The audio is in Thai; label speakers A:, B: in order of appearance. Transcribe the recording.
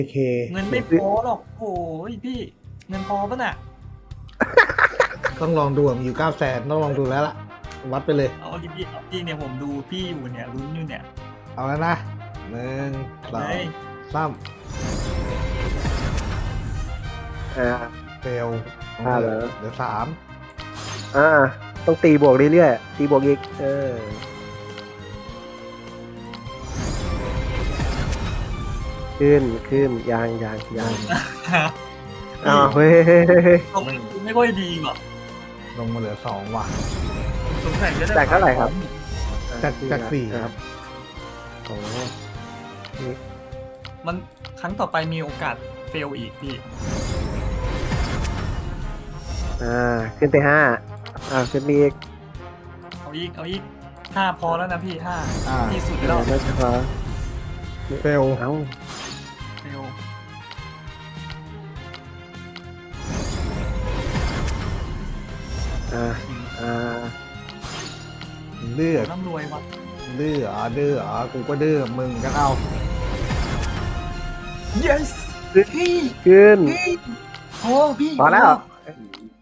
A: เค
B: เงินไม่พอหรอกโอ้ยพี่เงินพอปะน่ะ
A: ต้องลองดูอยู่900,000ต้องลองดูแล้วล่ะ วัดไปเลย
B: เอาดีๆเอาดีเนี่ยผมดูพี่อยู่เนี่ยลุ้นอยู่เนี่ย
A: เอาแล้วนะ1
B: เลย
A: 2 3
C: อ่า
A: เฟล
C: เหรอ
A: เหลือ3
C: ต้องตีบวกเรื่อยๆตีบวกอีกขึ้นยางอ้าวเฮ้ย
B: ลงไม่ค่อยดีว่ะ
A: ลงมาเหลือ2ว่ะ
B: สงสัยจะได้
C: จากเท่าไหร่ครับ
A: จาก4
C: ครับโอ้
B: มันครั้งต่อไปมีโอกาสเฟลอีกพี่
C: ขึ้นไป5ขึ้นไปอีก
B: เอาอีกห้าพอแล้วนะพี่ห้า
A: อ่า
B: ที่สุดแล้ว
C: ไม่พอ
A: เฟล
C: เอ้า
B: เฟล
A: เลือด
B: ร่ำรวยว่ะ
A: ดื้อกูก็ดื้อมึงก็เอา
B: yes พี่
C: ขึ้น
B: พี่โอ้พี่
C: พอแล้ว